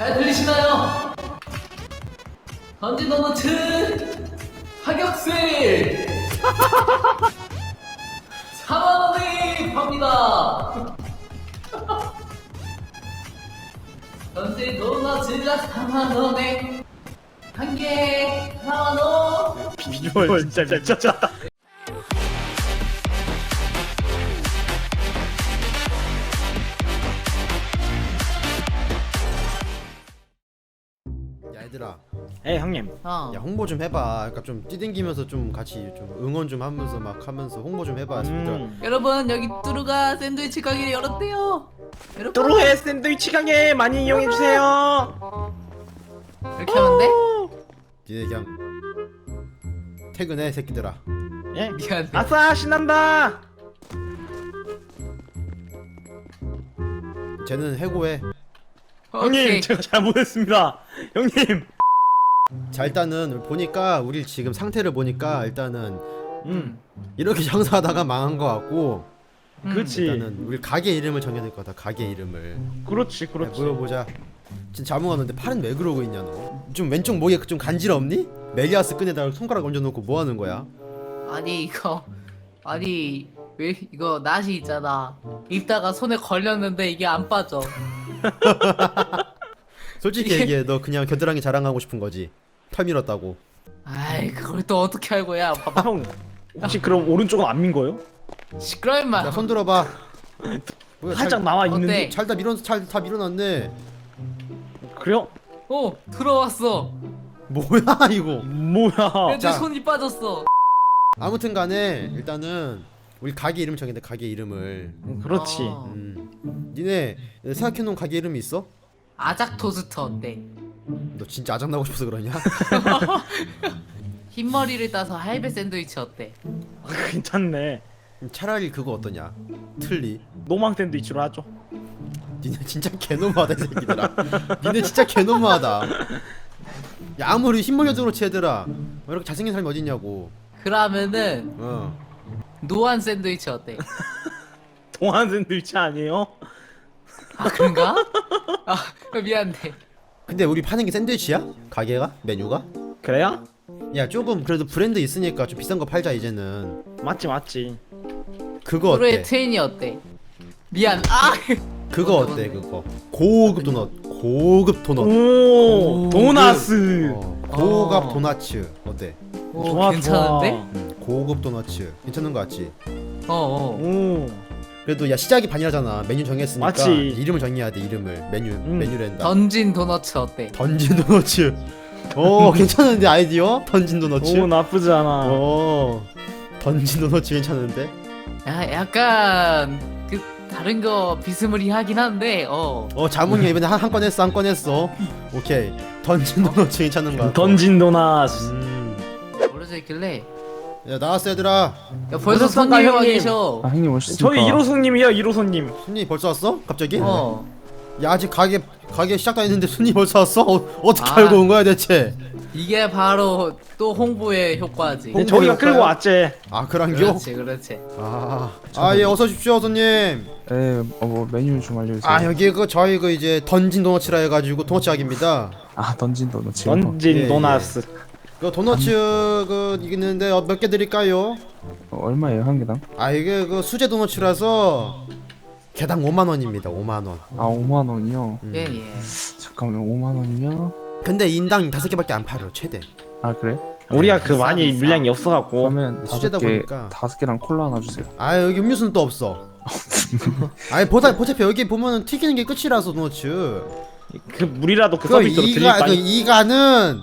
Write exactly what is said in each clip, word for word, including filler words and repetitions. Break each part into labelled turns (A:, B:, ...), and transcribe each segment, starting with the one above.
A: 잘 들리시나요? 던진 도너츠 가격 세일 사만 원에 팝니다. 던진 도너츠가 사만 원에 한 개 사만 원.
B: 비주얼 진짜 미쳤다.
C: 야 얘들아,
B: 에 형님.
A: 어.
C: 야 홍보 좀 해봐. 그러니까 좀 뛰댕기면서 좀 같이 좀 응원 좀 하면서 막 하면서 홍보 좀 해봐. 진짜.
B: 음.
A: 여러분 여기 뚜루가 샌드위치 가게를 열었대요. 여러분
B: 뚜루의 샌드위치 가게 많이 이용해 주세요.
A: 이렇게 하면 돼?
C: 니네 그냥 퇴근해 새끼들아.
B: 예.
A: 미안해.
B: 아싸 신난다.
C: 쟤는 해고해.
B: 형님
A: 오케이.
B: 제가 잘못했습니다. 형님.
C: 자 일단은 보니까 우리 지금 상태를 보니까 일단은
B: 음.
C: 이렇게 장사하다가 망한 거 같고.
A: 음.
B: 그렇지.
C: 일단은 우리 가게 이름을 정해야 될 거다. 가게 이름을.
B: 그렇지
C: 야,
B: 그렇지.
C: 물어보자. 진짜 자몽하는데 팔은 왜 그러고 있냐 너? 좀 왼쪽 목에 좀 간지럽니? 멜리아스 끈에다가 손가락 얹어놓고 뭐 하는 거야?
A: 아니 이거 아니 왜 이거 낫이 있잖아. 입다가 손에 걸렸는데 이게 안 빠져.
C: 솔직히
A: 이게-
C: 얘기해. 너 그냥 겨드랑이 자랑하고 싶은 거지. 털 밀었다고.
A: 아이 그걸 또 어떻게 알고야? 봐봐.
B: 형 혹시 그럼 오른쪽은 안 민 거예요?
A: 시끄러 임마.
C: 야 손 들어봐. 뭐야,
B: 살짝
C: 잘-
B: 나와 있는데.
A: 어때?
C: 잘 다 밀어 잘다 밀어놨네.
B: 그래요?
A: 어 들어왔어.
C: 뭐야 이거?
B: 뭐야?
A: 내
C: 자.
A: 손이 빠졌어.
C: 아무튼간에 일단은 우리 가게 이름 정했는데 가게 이름을.
B: 그렇지.
A: 어.
C: 음. 니네 생각해놓은 가게 이름이 있어?
A: 아작 토스트 어때?
C: 너 진짜 아장나고 싶어서 그러냐?
A: 흰머리를 따서 할배 샌드위치 어때?
B: 괜찮네.
C: 차라리 그거 어떠냐? 틀리.
B: 노망 샌드위치로 하죠.
C: 니네 진짜 개노마하다 이 새끼들아. 니네 진짜 개노마하다. 야 아무리 흰머리여도 쟤들아 왜 이렇게 잘생긴 사람이 어딨냐고.
A: 그러면은
C: 어.
A: 노안 샌드위치 어때?
B: 동안 샌드위치 아니에요?
A: 아 그런가? 아 미안해.
C: 근데 우리 파는 게 샌드위치야? 가게가? 메뉴가?
B: 그래요?
C: 야 조금 그래도 브랜드 있으니까 좀 비싼 거 팔자 이제는.
B: 맞지 맞지.
C: 그거
A: 프로의
C: 어때?
A: 트윈이 어때? 미안. 아
C: 그거 어때 그거? 고급 도넛. 고급 도넛.
B: 오,
A: 오,
B: 도나스.
C: 어, 고급
A: 어.
C: 도나츠 어때?
A: 오,
B: 좋아,
A: 괜찮은데?
C: 음, 고급 도너츠 괜찮은 거 같지?
A: 어어.
B: 오.
C: 그래도 야 시작이 반이라잖아. 메뉴 정했으니까
B: 맞지.
C: 이름을 정해야 돼. 이름을 메뉴
B: 음.
C: 메뉴랜다.
A: 던진 도너츠 어때?
C: 던진 도너츠. 오 괜찮은데 아이디어? 던진 도너츠.
B: 오 나쁘지 않아.
C: 오 던진 도너츠 괜찮은데?
A: 야 약간 그 다른 거 비스무리하긴 한데 어.
C: 어 자몽이 이번에 한 한 건 했어 한 건 했어. 오케이 던진 도너츠 괜찮은 거 같아.
B: 던진 도나스.
C: 음.
A: 모르져 있길래.
C: 야 나왔어 얘들아.
A: 야 벌써
B: 오셨습니까,
A: 손님이 와
B: 형님?
A: 계셔.
D: 아 형님 오셨습니까?
B: 저희 일 호손님이요 일 호손님.
C: 손님 벌써 왔어? 갑자기?
A: 어.
C: 야 아직 가게 가게 시작도 안 했는데 손님 벌써 왔어? 어, 어떻게
A: 아.
C: 알고 온 거야 대체?
A: 이게 바로 또 홍보의 효과지.
C: 홍-
B: 저희가
C: 홍보할까요?
B: 끌고 왔지.
C: 아 그란겨?
A: 그렇지 그렇지.
C: 아아예 어서 오십시오 손님.
D: 네, 어, 뭐 메뉴 좀 알려주세요.
C: 아 여기 그 저희 그 이제 던진 도너츠라 해가지고 도너츠 가게입니다.
D: 아 던진 도넛 지금.
B: 던진
C: 예,
B: 도나스.
C: 그 도너츠 그 있는데 어, 몇 개 드릴까요?
D: 어, 얼마예요 한 개당?
C: 아 이게 그 수제 도너츠라서 개당 오만 원입니다. 오만 원.
D: 아 오만 원이요.
C: 음.
A: 예예.
D: 잠깐만 오만 원이면
C: 근데 인당 다섯 개밖에 안 팔아 최대.
D: 아 그래?
B: 우리가 그
A: 비싸,
B: 많이
A: 비싸.
B: 물량이 없어갖고.
D: 그러면
C: 수제다
D: 다섯 개
C: 보니까.
D: 다섯 개랑 콜라 하나 주세요.
C: 아 여기 음료수는 또 없어. 아니 보다 보차피 여기 보면은 튀기는 게 끝이라서 도너츠.
B: 그 물이라도 그
C: 그
B: 서비스로 드릴
C: 이가 그
B: 바니.
C: 이가는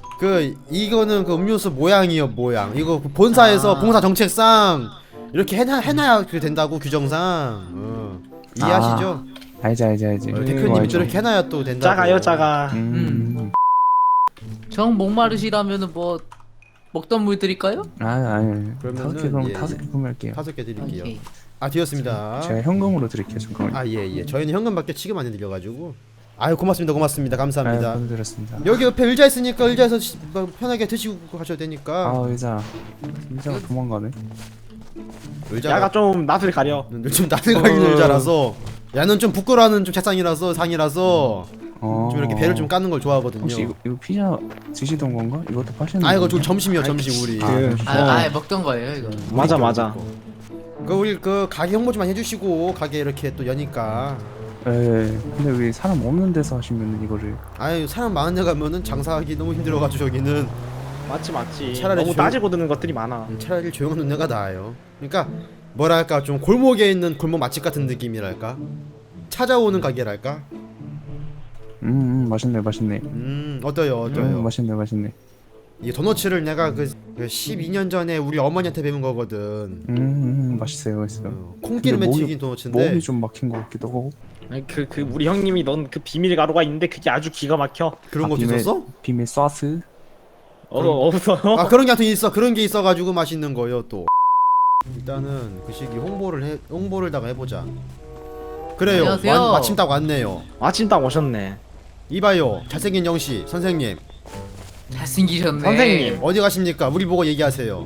C: 그 이거는 그 음료수 모양이요 모양. 이거 그 본사에서
A: 아.
C: 봉사 정책상 이렇게 해놔 해놔야 그 된다고 규정상. 어. 이해하시죠?
D: 알지 알지 알지.
C: 어,
D: 그거
C: 대표님이
D: 알죠.
C: 저렇게 해놔야 또 된다고.
B: 작아요 작아.
D: 음.
A: 정 목마르시라면은 뭐 먹던 물 드릴까요?
D: 아 아니.
C: 그러면은,
D: 다섯 개 그럼
C: 예,
D: 다섯
C: 예.
D: 개 구매할게요.
C: 다섯 개 드릴게요.
A: 오케이.
C: 아 되었습니다.
D: 제가 현금으로 드릴게요 잠깐만.
C: 아 예예. 저희는 현금밖에 취급 안 해드려가지고. 아유 고맙습니다 고맙습니다
D: 아,
C: 감사합니다.
D: 보내드렸습니다.
C: 여기 옆에 의자 있으니까 의자에서 시- 뭐 편하게 드시고 가셔도 되니까.
D: 아 의자. 의자가 도망가네.
C: 의자가
B: 야가 좀 낯을 가려.
C: 좀 나들가는
D: 어.
C: 의자라서. 야는 좀 부끄러워하는 좀 책상이라서 상이라서
D: 어.
C: 좀 이렇게 배를 좀 까는 걸 좋아하거든요.
D: 혹시 이거, 이거 피자 드시던 건가? 이것도 파시는
C: 아 이거 좀
D: 건가요?
C: 점심이요 점심 우리.
B: 그,
A: 아,
B: 어.
A: 아예 먹던 거예요 이거.
B: 맞아 맞아.
C: 그 우리 그 가게 홍보 좀 많이 해주시고 가게 이렇게 또 여니까.
D: 예. 근데 왜 사람 없는 데서 하시면 이거를
C: 아유 사람 많은 데 가면은 장사하기 너무 힘들어가지고 여기는
B: 맞지 맞지.
C: 차라리
B: 너무
C: 조-
B: 따지고 드는 것들이 많아.
C: 차라리 조용한 동네가 나아요. 그러니까 뭐랄까 좀 골목에 있는 골목 맛집 같은 느낌이랄까. 찾아오는 가게랄까.
D: 음, 음 맛있네 맛있네.
C: 음 어때요 어때요.
D: 음, 맛있네 맛있네.
C: 이 도너츠를 내가 그, 그 십이 년 전에 우리 어머니한테 배운 거거든.
D: 음, 음 맛있어요 맛있어요.
C: 어, 콩기름에
D: 근데 목이-
C: 튀긴 도너츠인데.
D: 목이 좀 막힌 것 같기도 하고.
B: 그 그 우리 형님이 넌 그 비밀 가루가 있는데 그게 아주 기가 막혀.
C: 그런
D: 아,
C: 것도
D: 비밀-
C: 있었어?
D: 비밀 소스.
B: 어 없어.
C: 아 그런 게 하여튼 있어. 그런 게 있어가지고 맛있는 거요 또. 일단은 그 시기 홍보를 해 홍보를 다가 해보자. 그래요.
A: 안녕하세요.
C: 완- 마침 딱 왔네요.
B: 마침 딱 오셨네.
C: 이봐요. 잘생긴 영씨 선생님
A: 잘생기셨네.
B: 선생님.
C: 어디 가십니까? 우리 보고 얘기하세요.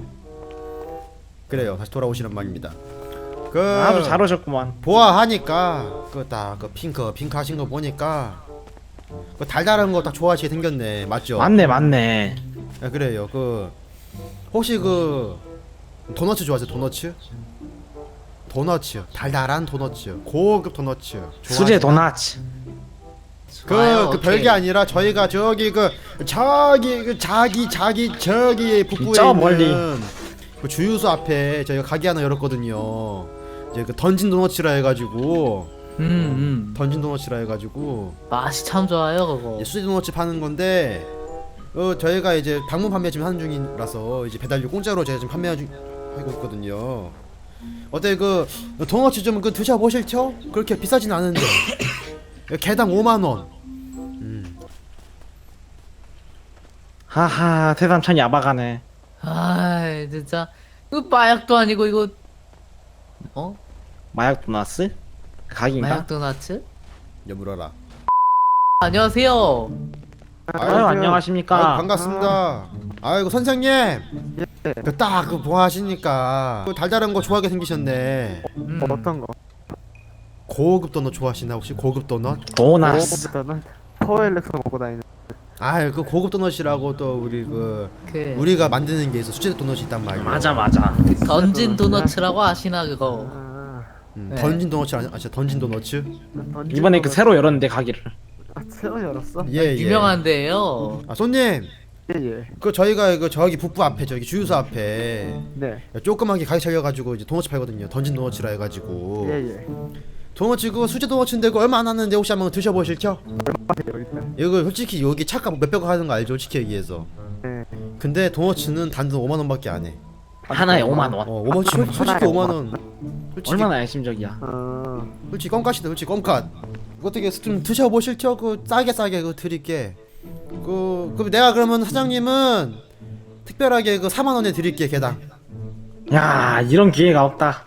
C: 그래요. 다시 돌아오시란 말입니다. 그
B: 아주 잘 오셨구만.
C: 보아하니까 그 딱 그 핑크 핑크 하신 거 보니까 그 달달한 거 딱 좋아하시게 생겼네. 맞죠?
B: 맞네 맞네.
C: 아, 그래요. 그 혹시 그 도너츠 좋아하세요? 도너츠? 도너츠 달달한 도너츠 고급 도너츠
B: 수제
C: 좋아하세요?
B: 도나츠.
C: 그,
A: 좋아요,
C: 그
A: 오케이.
C: 별게 아니라 저희가 저기 그 저기 그 자기 자기 저기 북부에
B: 저
C: 있는
B: 멀리.
C: 그 주유소 앞에 저희가 가게 하나 열었거든요. 이제 그 던진 도너츠라 해가지고
A: 음, 음.
C: 던진 도너츠라 해가지고
A: 맛이 참 좋아요 그거.
C: 이제 수제 도너츠 파는 건데 어 저희가 이제 방문 판매 지금 하는 중이라서 이제 배달료 공짜로 제가 지금 판매하고 있거든요. 어때 그 도너츠 좀 그 드셔 보실죠? 그렇게 비싸진 않은데 개당 오만 원. 음.
B: 하하 세상 참 야박하네.
A: 아 진짜 이거 마약도 아니고 이거 어?
B: 마약 도나스? 각인가?
A: 마약 도나츠?
C: 여물어라.
A: 안녕하세요.
B: 아유 안녕하십니까.
C: 아유, 반갑습니다. 아이고 선생님. 그 딱 그 뭐 하시니까 그 달달한 거 좋아하게 생기셨네.
A: 음.
E: 어떤 거?
C: 고급 도넛 좋아하시나 혹시 고급 도넛?
B: 도나스.
E: 고급보다는 파워엘렉스 먹고 다니는.
C: 아이 그 고급 도넛이라고 또 우리 그
A: 그
C: 우리가 만드는 게 있어. 수제 도넛이 있단 말이야.
B: 맞아 맞아.
A: 던진 도너츠라고 아시나 그거?
E: 아,
C: 음,
A: 네.
C: 던진 도넛이 아니 아시죠? 던진 도넛츠?
E: 던진
B: 이번에 그
E: 거는-
B: 새로 열었는데 가기를.
E: 아, 새로 열었어?
C: 예, 예.
A: 유명한데요.
C: 아 손님,
E: 예예.
C: 그 저희가 그 저기 북부 앞에 저기 주유소 앞에
E: 네.
C: 조그맣게 가게 차려가지고 이제 도넛 팔거든요. 던진 도넛이라 해가지고.
E: 예예.
C: 도넛 그거 수제 도넛인데 그거 얼마 안 하는데 혹시 한번 드셔보실죠?
E: 얼마예요 일단?
C: 이거 솔직히 여기 차값 몇백 원 하는 거 알죠? 솔직히 얘기해서.
E: 네.
C: 근데 도넛은 단돈 오만 원밖에 안 해.
B: 하나에 오만 원.
C: 어, 오만 솔- 솔직히
E: 하나에
C: 오만 원. 솔직히
B: 얼마나 애심적이야.
E: 아,
C: 솔직히 껌값이다. 솔직히 껌값. 어떻게 좀 드셔보실죠? 그 싸게 싸게 그 드릴게. 그 그럼 내가 그러면 사장님은 특별하게 그 사만 원에 드릴게 개당.
B: 야 이런 기회가 없다.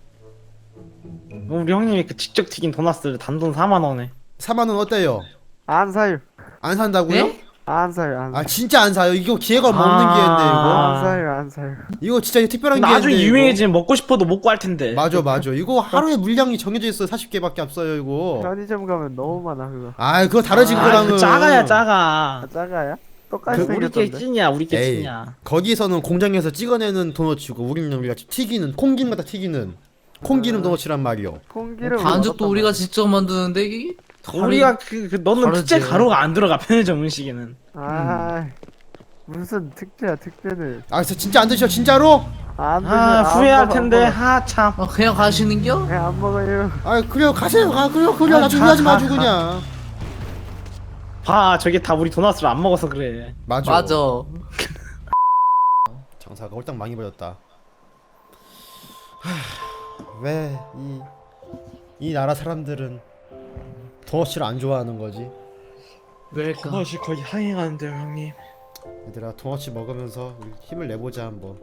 B: 우리 형님이 그 직접 튀긴 도나스를 단돈 사만 원에.
C: 사만 원 어때요?
E: 안 사요.
C: 안 산다고요?
A: 네?
E: 안 사요. 안
C: 아
E: 사요.
C: 진짜 안 사요. 이거 기회가 없는
B: 아.
C: 기회인데 이거.
E: 안 사요. 안 사요.
C: 이거 진짜 특별한 기회인데.
B: 나중에
C: 이거.
B: 유명해지면 먹고 싶어도 못 구할 텐데.
C: 맞아 맞아. 이거 하루에 물량이 정해져 있어. 사십 개밖에 없어요 이거.
E: 편의점 가면 너무 많아 그거.
C: 아 그거 다르지
B: 아,
C: 그거랑은.
B: 그 작아야 작아.
E: 아, 작아야? 똑같이
C: 그
B: 우리 게
E: 생겼던데.
B: 찐이야 우리 게
C: 에이
B: 찐이야.
C: 거기서는 공장에서 찍어내는 도넛이고 우리는 우리가 튀기는 콩기름 갖다 튀기는 콩기름
E: 아.
C: 도넛이란 말이요.
E: 콩기름.
A: 반죽도 우리가 직접 만드는데 이게
B: 우리가 그, 그 너는
A: 다르지.
B: 특제 가루가 안 들어가 편의점 음식에는.
E: 아, 무슨 특제야 특제는.
C: 아 진짜 진짜 안 드셔 진짜로?
E: 안 드세요.
B: 아
E: 안
B: 후회할
E: 먹어, 안
B: 텐데
E: 먹어.
B: 하 참.
A: 어, 그냥 가시는겨?
E: 그냥 안 먹어요.
C: 아 그래요 가세요. 아 그래요 그래요
B: 아,
C: 나중에
B: 가,
C: 하지
B: 가,
C: 마주
B: 가.
C: 그냥.
B: 봐 저게 다 우리 도나스를 안 먹어서 그래.
C: 맞아.
A: 맞아.
C: 장사가 홀딱 망해버렸다. 왜 이 이 나라 사람들은 도넛을 안 좋아하는 거지?
A: 왜일까?
B: 도넛이 거의 항해가는데요 형님.
C: 얘들아 도넛 먹으면서 우리 힘을 내보자 한번.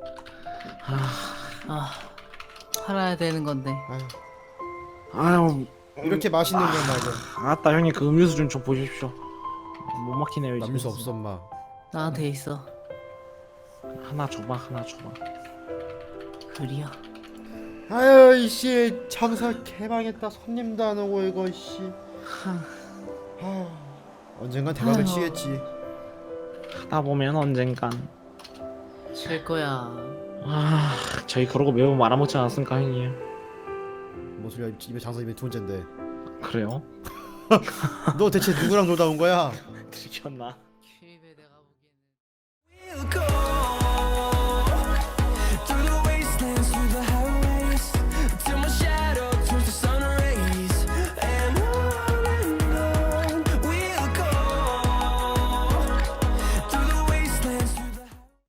A: 아 살아야 되는 건데.
C: 아유,
B: 아유
C: 이렇게 맛있는 건 말이야.
B: 아따 형님 그 음료수 좀 좀 보십시오. 못 막히네요 이제.
C: 남수 없어 엄마.
A: 나한테 있어.
B: 하나 줘봐 하나 줘봐.
A: 그리야.
C: 아유 이씨 장사 개망했다. 손님도 안 오고 이거 이씨. 아유. 언젠간 대박을
A: 아유.
C: 치겠지.
B: 하다 보면 언젠간.
A: 칠 거야.
B: 아, 저희 그러고 매우 말아먹지 않았습니까, 형님?
C: 뭐 소리야, 입에 장사 입에 두 번째인데.
B: 그래요?
C: 너 대체 누구랑 놀다 온 거야?
B: 들켰나?
A: 큐입에 내가